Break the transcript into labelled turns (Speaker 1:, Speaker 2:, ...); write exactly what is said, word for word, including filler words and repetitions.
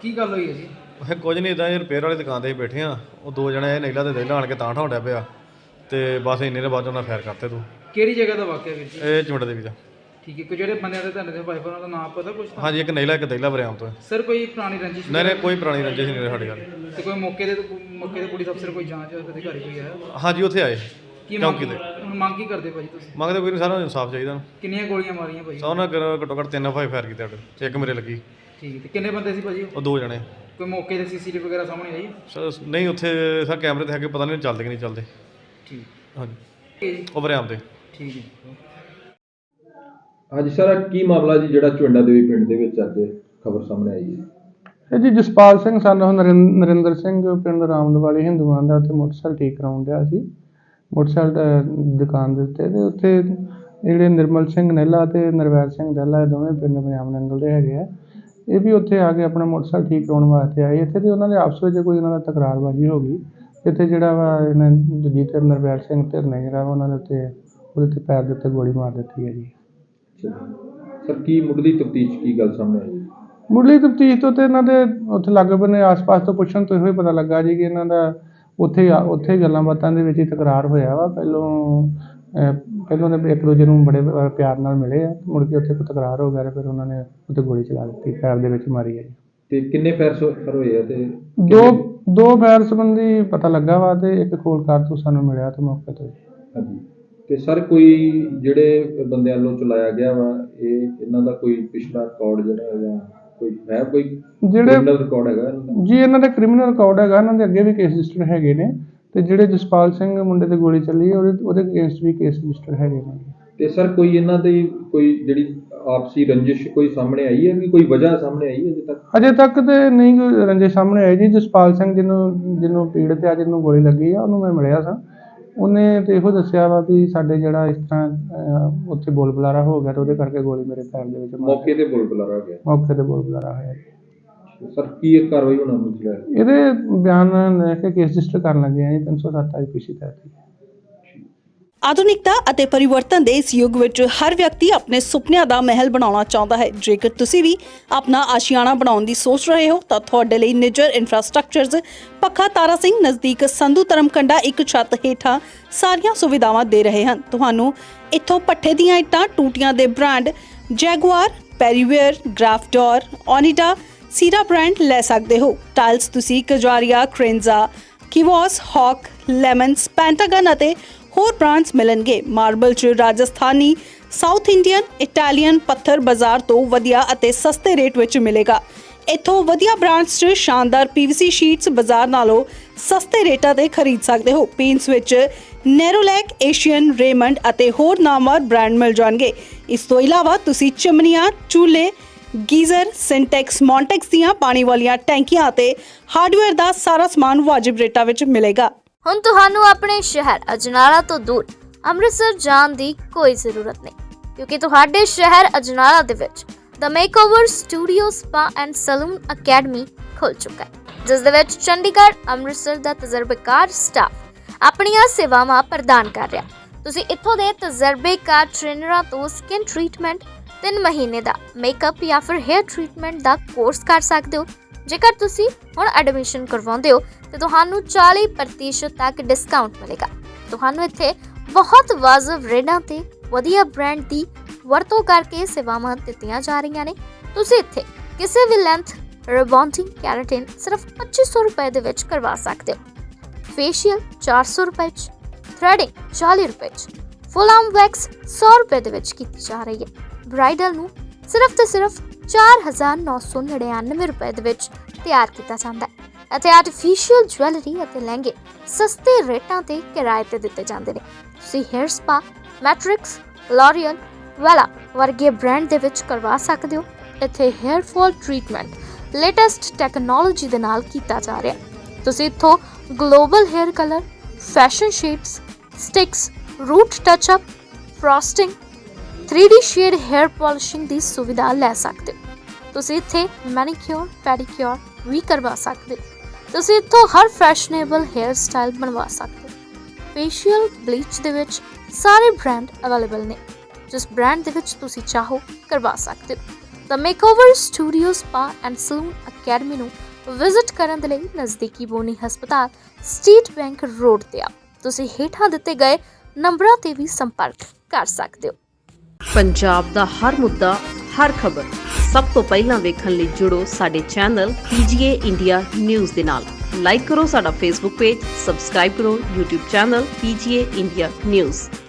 Speaker 1: ਕੀ ਗੱਲ ਹੋਈ ਹੈ ਜੀ?
Speaker 2: ਉਹ ਕੁਝ ਨਹੀਂ ਇਦਾਂ ਹੀ ਰਿਪੇਅਰ ਵਾਲੀ ਦੁਕਾਨ 'ਤੇ ਬੈਠੇ ਆ, ਉਹ ਦੋ ਜਣੇ ਨੀਲਾ ਤੇ ਦੇਲਾ ਆਣ ਕੇ ਤਾਂ ਠਾਉਂਦਾ ਪਿਆ ਤੇ ਬਸ ਇੰਨੇ ਦੇ ਬਾਅਦ ਉਹਨਾਂ ਫਾਇਰ ਕਰਤੇ। ਤੂੰ
Speaker 1: ਕਿਹੜੀ ਜਗ੍ਹਾ ਦਾ ਵਾਕਿਆ ਵੀਰ ਜੀ?
Speaker 2: ਇਹ ਚੁੰਡ ਦੇਵੀ ਦਾ।
Speaker 1: ਠੀਕ ਹੈ, ਕੋਈ ਜਿਹੜੇ ਬੰਦਿਆਂ ਦੇ ਤੁਹਾਡੇ ਦੇ ਵਾਈਫ ਉਹਨਾਂ ਦਾ ਨਾਮ ਪਤਾ ਕੁਛ?
Speaker 2: ਹਾਂਜੀ, ਇੱਕ ਨੀਲਾ ਇੱਕ ਦੇਲਾ ਬਰਿਆਮ ਤੋਂ।
Speaker 1: ਸਰ ਕੋਈ ਪੁਰਾਣੀ ਰੰਜਿਸ਼?
Speaker 2: ਨਹੀਂ ਨਹੀਂ, ਕੋਈ ਪੁਰਾਣੀ ਰੰਜਿਸ਼ ਨਹੀਂ ਸਾਡੇ ਗੱਲ।
Speaker 1: ਤੇ ਕੋਈ ਮੌਕੇ ਦੇ ਮੌਕੇ ਦੇ ਪੁਲਿਸ ਅਫਸਰ ਕੋਈ ਜਾਂਚ ਅਧਿਕਾਰੀ ਕੋਈ ਆਇਆ?
Speaker 2: ਹਾਂਜੀ, ਉੱਥੇ ਆਏ
Speaker 1: ਕੀ
Speaker 2: ਚੌਂਕੀ ਦੇ।
Speaker 1: ਹੁਣ ਮੰਗ ਕੀ ਕਰਦੇ ਭਾਜੀ ਤੁਸੀਂ?
Speaker 2: ਮੰਗਦੇ ਕੋਈ ਨਹੀਂ, ਸਾਰਾ ਇਨਸਾਫ ਚਾਹੀਦਾ।
Speaker 1: ਕਿੰਨੀਆਂ ਗੋਲੀਆਂ ਮਾਰੀਆਂ ਭਾਜੀ?
Speaker 2: ਸੌ ਨਾ ਘੱਟੋ ਘੱਟ ਤਿੰਨ ਫਾਈ ਫਾਇਰ ਕੀਤੇ ਸਾਡੇ, ਇੱਕ ਮੇਰੇ ਲੱਗੀ।
Speaker 1: ਠੀਕ ਹੈ, ਤੇ ਕਿੰਨੇ ਬੰਦੇ ਸੀ ਭਾਜੀ?
Speaker 2: ਉਹ ਦੋ ਜਣੇ।
Speaker 1: ਕੋਈ ਮੌਕੇ ਦੇ ਸੀਸੀਟੀਵੀ ਵਗੈਰਾ ਸਾਹਮਣੇ ਆਈ?
Speaker 2: ਸਰ ਨਹੀਂ, ਉੱਥੇ ਸਰ ਕੈਮਰੇ ਤੇ ਹੈਗੇ, ਪਤਾ ਨਹੀਂ ਚੱਲਦੇ ਕਿ ਨਹੀਂ ਚੱਲਦੇ।
Speaker 1: ਠੀਕ
Speaker 2: ਹਾਂਜੀ, ਉਹ ਬਰਿਆਮ ਤੇ।
Speaker 1: ਠੀਕ ਹੈ।
Speaker 3: ਹਾਂਜੀ ਸਰ, ਕੀ ਮਾਮਲਾ ਜੀ ਜਿਹੜਾ ਚੁੰਡਾ ਦੇਵੀ ਪਿੰਡ ਦੇ ਵਿੱਚ ਅੱਜ ਖਬਰ ਸਾਹਮਣੇ ਆਈ ਹੈ?
Speaker 4: ਇਹ ਜੀ ਜਸਪਾਲ ਸਿੰਘ ਸਾਨੂੰ ਨਰਿੰਦਰ ਸਿੰਘ ਪਿੰਡ ਰਾਮਦਵਾਲੀ ਹਿੰਦੂਆਂ ਦਾ ਉੱਥੇ ਮੋਟਰਸਾਈਕਲ ਠੀਕ ਕਰਾਉਣ ਡਿਆ ਸੀ ਮੋਟਰਸਾਈਕਲ ਦੁਕਾਨ ਦੇ ਉੱਤੇ। ਅਤੇ ਉੱਥੇ ਜਿਹੜੇ ਨਿਰਮਲ ਸਿੰਘ ਨਹਿਲਾ ਅਤੇ ਨਰਵੈਰ ਸਿੰਘ ਦਹਿਲਾ ਇਹ ਦੋਵੇਂ ਪਿੰਡ ਪੰਜਾਬ ਨੰਗਲ ਦੇ ਹੈਗੇ ਆ। ਇਹ ਵੀ ਉੱਥੇ ਆ ਕੇ ਆਪਣਾ ਮੋਟਰਸਾਈਕਲ ਠੀਕ ਕਰਾਉਣ ਵਾਸਤੇ ਆਏ ਇੱਥੇ, ਅਤੇ ਉਹਨਾਂ ਦੇ ਆਪਸ ਵਿੱਚ ਕੋਈ ਉਹਨਾਂ ਦਾ ਤਕਰਾਰਬਾਜ਼ੀ ਹੋ ਗਈ। ਇੱਥੇ ਜਿਹੜਾ ਵਾ ਇਹਨੇ ਦੂਜੀ ਧਿਰ ਨਰਵੈਰ ਸਿੰਘ ਧਿਰ ਨੇ ਜਿਹੜਾ ਵਾ ਉਹਨਾਂ ਦੇ ਉੱਤੇ ਉਹਦੇ 'ਤੇ ਪੈਰ ਦੇ ਉੱਤੇ ਗੋਲੀ ਮਾਰ ਦਿੱਤੀ ਹੈ ਜੀ।
Speaker 3: ਸਰ ਕੀ ਮੁੱਢਲੀ ਤਫਤੀਸ਼ ਕੀ ਗੱਲ ਸਾਹਮਣੇ ਆਈ?
Speaker 4: ਮੁੱਢਲੀ ਤਫਤੀਸ਼ ਤੋਂ ਤੇ ਇਹਨਾਂ ਦੇ ਉੱਥੇ ਲਾਗੇ ਬੰਨੇ ਆਸ-ਪਾਸ ਤੋਂ ਪੁੱਛਣ ਤੋਂ ਇਹੋ ਹੀ ਪਤਾ ਲੱਗਾ ਜੀ ਕਿ ਇਹਨਾਂ ਦਾ ਉੱਥੇ ਉੱਥੇ ਗੱਲਾਂ ਬਾਤਾਂ ਦੇ ਵਿੱਚ ਹੀ ਤਕਰਾਰ ਹੋਇਆ ਵਾ। ਪਹਿਲੋਂ ਪਹਿਲੋਂ ਉਹਨੇ ਇੱਕ ਦੂਜੇ ਨੂੰ ਬੜੇ ਪਿਆਰ ਨਾਲ ਮਿਲੇ ਆ, ਮੁੜ ਕੇ ਉੱਥੇ ਕੋਈ ਤਕਰਾਰ ਹੋ ਗਿਆ ਅਤੇ ਫਿਰ ਉਹਨਾਂ ਨੇ ਉੱਥੇ ਗੋਲੀ ਚਲਾ ਦਿੱਤੀ, ਪੈਰ ਦੇ ਵਿੱਚ ਮਾਰੀ ਹੈ ਜੀ।
Speaker 3: ਅਤੇ ਕਿੰਨੇ ਫਾਇਰ ਫਾਇਰ ਹੋਏ ਆ? ਅਤੇ
Speaker 4: ਦੋ ਦੋ ਫਾਇਰ ਸੰਬੰਧੀ ਪਤਾ ਲੱਗਾ ਵਾ ਅਤੇ ਇੱਕ ਖੋਲ ਕਾਰਤੂਸ ਸਾਨੂੰ ਮਿਲਿਆ ਅਤੇ ਮੌਕੇ ਤੋਂ। ਹਾਂਜੀ।
Speaker 3: ਅਤੇ ਸਰ ਕੋਈ ਜਿਹੜੇ ਬੰਦਿਆਂ ਵੱਲੋਂ ਚਲਾਇਆ ਗਿਆ ਵਾ ਇਹ ਇਹਨਾਂ ਦਾ ਕੋਈ ਪਿਛਲਾ ਰਿਕਾਰਡ ਜਿਹੜਾ ਜਾਂ ਕੋਈ ਹੈ ਕੋਈ
Speaker 4: ਜਿਹੜੇ
Speaker 3: ਰਿਕਾਰਡ ਹੈਗਾ
Speaker 4: ਜੀ? ਇਹਨਾਂ ਦਾ ਕ੍ਰਿਮੀਨਲ ਰਿਕਾਰਡ ਹੈਗਾ, ਇਹਨਾਂ ਦੇ ਅੱਗੇ ਵੀ ਕੇਸ ਰਜਿਸਟਰ ਹੈਗੇ ਨੇ, ਅਤੇ ਜਿਹੜੇ ਜਸਪਾਲ ਸਿੰਘ ਮੁੰਡੇ 'ਤੇ ਗੋਲੀ ਚੱਲੀ ਉਹਦੇ ਉਹਦੇ ਅਗੇਂਸਟ ਵੀ ਕੇਸ ਰਜਿਸਟਰ ਹੈਗੇ ਨੇ। ਅਤੇ
Speaker 3: ਸਰ ਕੋਈ ਇਹਨਾਂ ਦੀ ਕੋਈ ਜਿਹੜੀ ਆਪਸੀ ਰੰਜਿਸ਼ ਕੋਈ ਸਾਹਮਣੇ ਆਈ ਹੈ ਕਿ ਕੋਈ ਵਜ੍ਹਾ ਸਾਹਮਣੇ ਆਈ ਅਜੇ ਤੱਕ?
Speaker 4: ਅਜੇ ਤੱਕ ਤਾਂ ਨਹੀਂ ਕੋਈ ਰੰਜਿਸ਼ ਸਾਹਮਣੇ ਆਈ ਜੀ। ਜਸਪਾਲ ਸਿੰਘ ਜਿਹਨੂੰ ਜਿਹਨੂੰ ਪੀੜਤ ਆ, ਜਿਹਨੂੰ ਗੋਲੀ ਲੱਗੀ ਆ, ਉਹਨੂੰ ਮੈਂ ਮਿਲਿਆ ਸਾਂ। ਉਹਨੇ ਤਾਂ ਇਹੋ ਦੱਸਿਆ ਵਾ ਵੀ ਸਾਡੇ ਜਿਹੜਾ ਇਸ ਤਰ੍ਹਾਂ ਉੱਥੇ ਬੋਲ ਬੁਲਾਰਾ ਹੋ ਗਿਆ ਅਤੇ ਉਹਦੇ ਕਰਕੇ ਗੋਲੀ ਮੇਰੇ ਪੈਰ ਦੇ ਵਿੱਚ
Speaker 3: ਮੌਕੇ 'ਤੇ ਬੋਲ ਬੁਲਾਰਾ ਹੋ ਗਿਆ?
Speaker 4: ਮੌਕੇ 'ਤੇ ਬੋਲ ਬੁਲਾਰਾ ਹੋਇਆ ਜੀ।
Speaker 3: ਸਰ ਕੀ ਇਹ ਕਾਰਵਾਈ ਹੋਣਾ ਮੁੱਕਦਾ?
Speaker 4: ਇਹਦੇ ਬਿਆਨ ਲੈ ਕੇ ਕੇਸ ਰਜਿਸਟਰ ਕਰਨ ਲੱਗੇ ਆ ਜੀ ਤਿੰਨ ਸੌ ਸੱਤ ਆਈ ਪੀ ਸੀ ਤਹਿਤ।
Speaker 5: ਆਧੁਨਿਕਤਾ ਅਤੇ ਪਰਿਵਰਤਨ ਦੇ ਇਸ ਯੁੱਗ ਵਿੱਚ ਹਰ ਵਿਅਕਤੀ ਆਪਣੇ ਸੁਪਨਿਆਂ ਦਾ ਮਹਿਲ ਬਣਾਉਣਾ ਚਾਹੁੰਦਾ ਹੈ। ਜੇਕਰ ਤੁਸੀਂ ਵੀ ਆਪਣਾ ਆਸ਼ੀਆਣਾ ਬਣਾਉਣ ਦੀ ਸੋਚ ਰਹੇ ਹੋ ਤਾਂ ਤੁਹਾਡੇ ਲਈ ਨਿੱਜਰ ਇਨਫਰਾਸਟ੍ਰਕਚਰਜ਼ ਪੱਖਾ ਤਾਰਾ ਸਿੰਘ ਨਜ਼ਦੀਕ ਸੰਧੂ ਧਰਮਕੰਡਾ ਇੱਕ ਛੱਤ ਹੇਠਾਂ ਸਾਰੀਆਂ ਸੁਵਿਧਾਵਾਂ ਦੇ ਰਹੇ ਹਨ। ਤੁਹਾਨੂੰ ਇੱਥੋਂ ਪੱਠੇ ਦੀਆਂ ਇੱਟਾਂ, ਟੂਟੀਆਂ ਦੇ ਬ੍ਰਾਂਡ ਜੈਗੁਆਰ, ਪੈਰੀਵੇਅਰ, ਗ੍ਰਾਫਡੋਰ, ਓਨੀਡਾ, ਸੀਰਾ ਬ੍ਰਾਂਡ ਲੈ ਸਕਦੇ ਹੋ। ਟਾਇਲਸ ਤੁਸੀਂ ਕਜਾਰੀਆ, ਕ੍ਰੇਨਜ਼ਾ, ਕਿਵੋਸ, ਹੌਕ, ਲੈਮਨਸ, ਪੈਂਟਾਗਨ ਅਤੇ ਹੋਰ ਬ੍ਰਾਂਡਸ ਮਿਲਣਗੇ। ਮਾਰਬਲ 'ਚ ਰਾਜਸਥਾਨੀ, ਸਾਊਥ ਇੰਡੀਅਨ, ਇਟਾਲੀਅਨ ਪੱਥਰ ਬਾਜ਼ਾਰ ਤੋਂ ਵਧੀਆ ਅਤੇ ਸਸਤੇ ਰੇਟ ਵਿੱਚ ਮਿਲੇਗਾ। ਇੱਥੋਂ ਵਧੀਆ ਬ੍ਰਾਂਡਸ 'ਚ ਸ਼ਾਨਦਾਰ ਪੀਵੀਸੀ ਸ਼ੀਟਸ ਬਾਜ਼ਾਰ ਨਾਲੋਂ ਸਸਤੇ ਰੇਟਾਂ 'ਤੇ ਖਰੀਦ ਸਕਦੇ ਹੋ। ਪੇਂਟਸ ਵਿੱਚ ਨੈਰੋਲੈਕ, ਏਸ਼ੀਅਨ, ਰੇਮੰਡ ਅਤੇ ਹੋਰ ਨਾਮਵਰ ਬ੍ਰਾਂਡ ਮਿਲ ਜਾਣਗੇ। ਇਸ ਤੋਂ ਇਲਾਵਾ ਤੁਸੀਂ ਚਿਮਨੀਆਂ, ਚੂਲੇ, ਗੀਜ਼ਰ, ਸਿੰਟੈਕਸ, ਮੌਂਟੈਕਸ ਦੀਆਂ ਪਾਣੀ ਵਾਲੀਆਂ ਟੈਂਕੀਆਂ ਅਤੇ ਹਾਰਡਵੇਅਰ ਦਾ ਸਾਰਾ ਸਮਾਨ ਵਾਜਿਬ ਰੇਟਾਂ ਵਿੱਚ ਮਿਲੇਗਾ।
Speaker 6: ਹੁਣ ਤੁਹਾਨੂੰ ਆਪਣੇ ਸ਼ਹਿਰ ਅਜਨਾਲਾ ਤੋਂ ਦੂਰ ਅੰਮ੍ਰਿਤਸਰ ਜਾਣ ਦੀ ਕੋਈ ਜ਼ਰੂਰਤ ਨਹੀਂ, ਕਿਉਂਕਿ ਤੁਹਾਡੇ ਸ਼ਹਿਰ ਅਜਨਾਲਾ ਦੇ ਵਿੱਚ the makeover studio spa and salon academy ਖੁੱਲ ਚੁੱਕਾ ਹੈ, ਜਿਸ ਦੇ ਵਿੱਚ ਚੰਡੀਗੜ੍ਹ, ਅੰਮ੍ਰਿਤਸਰ ਦਾ ਤਜਰਬੇਕਾਰ ਸਟਾਫ ਆਪਣੀਆਂ ਸੇਵਾਵਾਂ ਪ੍ਰਦਾਨ ਕਰ ਰਿਹਾ। ਤੁਸੀਂ ਇੱਥੋਂ ਦੇ ਤਜਰਬੇਕਾਰ ਟ੍ਰੇਨਰਾਂ ਤੋਂ ਸਕਿਨ ਟ੍ਰੀਟਮੈਂਟ, ਤਿੰਨ ਮਹੀਨੇ ਦਾ ਮੇਕਅਪ ਜਾਂ ਫਿਰ ਹੇਅਰ ਟ੍ਰੀਟਮੈਂਟ ਦਾ ਕੋਰਸ ਕਰ ਸਕਦੇ ਹੋ। ਜੇਕਰ ਤੁਸੀਂ ਹੁਣ ਐਡਮਿਸ਼ਨ ਕਰਵਾਉਂਦੇ ਹੋ ਤਾਂ ਤੁਹਾਨੂੰ ਚਾਲੀ ਪ੍ਰਤੀਸ਼ਤ ਤੱਕ ਡਿਸਕਾਊਂਟ ਮਿਲੇਗਾ। ਤੁਹਾਨੂੰ ਇੱਥੇ ਬਹੁਤ ਵਾਜਬ ਰੇਟਾਂ ਤੇ ਵਧੀਆ ਬ੍ਰਾਂਡ ਦੀ ਵਰਤੋਂ ਕਰਕੇ ਸੇਵਾਵਾਂ ਦਿੱਤੀਆਂ ਜਾ ਰਹੀਆਂ ਨੇ। ਤੁਸੀਂ ਇੱਥੇ ਕਿਸੇ ਵੀ ਲੈਂਥ ਰਿਬੌਂਡਿੰਗ, ਕੈਰਾਟਿਨ ਸਿਰਫ ਪੱਚੀ ਸੌ ਰੁਪਏ ਦੇ ਵਿੱਚ ਕਰਵਾ ਸਕਦੇ ਹੋ। ਫੇਸ਼ੀਅਲ ਚਾਰ ਸੌ ਰੁਪਏ 'ਚ, ਥ੍ਰੈਡਿੰਗ ਚਾਲੀ ਰੁਪਏ 'ਚ, ਫੁੱਲ ਆਰਮ ਵੈਕਸ ਸੌ ਰੁਪਏ ਦੇ ਵਿੱਚ ਕੀਤੀ ਜਾ ਰਹੀ ਹੈ। ਬ੍ਰਾਈਡਲ ਨੂੰ ਸਿਰਫ ਤੇ ਸਿਰਫ ਚਾਰ ਹਜ਼ਾਰ ਨੌ ਸੌ ਨੜਿਨਵੇਂ ਰੁਪਏ ਦੇ ਵਿੱਚ ਤਿਆਰ ਕੀਤਾ ਜਾਂਦਾ ਹੈ। ਅਤੇ ਆਰਟੀਫੀਸ਼ੀਅਲ ਜਵੈਲਰੀ ਅਤੇ ਲਹਿੰਗੇ ਸਸਤੇ ਰੇਟਾਂ ਤੇ ਕਿਰਾਏ ਤੇ ਦਿੱਤੇ ਜਾਂਦੇ ਨੇ। ਤੁਸੀਂ hair spa, Matrix, L'Oreal, Wella ਵਰਗੇ ਬ੍ਰਾਂਡ ਦੇ ਵਿੱਚ ਕਰਵਾ ਸਕਦੇ ਹੋ। ਇੱਥੇ hair fall treatment latest technology ਦੇ ਨਾਲ ਕੀਤਾ ਜਾ ਰਿਹਾ। ਤੁਸੀਂ ਇੱਥੋਂ global hair colour, fashion shades, sticks, root touch up, frosting, three D shade hair polishing ਦੀ ਸੁਵਿਧਾ ਲੈ ਸਕਦੇ ਹੋ। ਤੁਸੀਂ ਇੱਥੇ ਮੈਨੀਕਿਉਰ, ਪੈਡੀਕਿਉਰ ਵੀ ਕਰਵਾ ਸਕਦੇ ਹੋ। ਤੁਸੀਂ ਇੱਥੋਂ ਹਰ ਫੈਸ਼ਨੇਬਲ ਹੇਅਰ ਸਟਾਈਲ ਬਣਵਾ ਸਕਦੇ ਹੋ। ਫੇਸ਼ੀਅਲ, ਬਲੀਚ ਦੇ ਵਿੱਚ ਸਾਰੇ ਬ੍ਰਾਂਡ ਅਵੇਲੇਬਲ ਨੇ। ਜਿਸ ਬ੍ਰਾਂਡ ਦੇ ਵਿੱਚ ਤੁਸੀਂ ਚਾਹੋ ਕਰਵਾ ਸਕਦੇ ਹੋ। The makeover studio spa and salon academy ਨੂੰ ਵਿਜ਼ਿਟ ਕਰਨ ਦੇ ਲਈ ਨਜ਼ਦੀਕੀ ਬੋਨੀ ਹਸਪਤਾਲ ਸਟੇਟ ਬੈਂਕ ਰੋਡ ਤੇ ਆਓ। ਤੁਸੀਂ ਹੇਠਾਂ ਦਿੱਤੇ ਗਏ ਨੰਬਰਾਂ ਤੇ ਵੀ ਸੰਪਰਕ ਕਰ ਸਕਦੇ ਹੋ।
Speaker 7: ਪੰਜਾਬ ਦਾ ਹਰ ਮੁੱਦਾ, ਹਰ ਖਬਰ ਸਭ ਤੋਂ ਪਹਿਲਾਂ ਵੇਖਣ ਲਈ ਜੁੜੋ ਸਾਡੇ channel P G A India news ਦੇ ਨਾਲ। ਲਾਈਕ ਕਰੋ ਸਾਡਾ ਫੇਸਬੁੱਕ ਪੇਜ, ਸਬਸਕ੍ਰਾਈਬ ਕਰੋ YouTube channel P G A India news.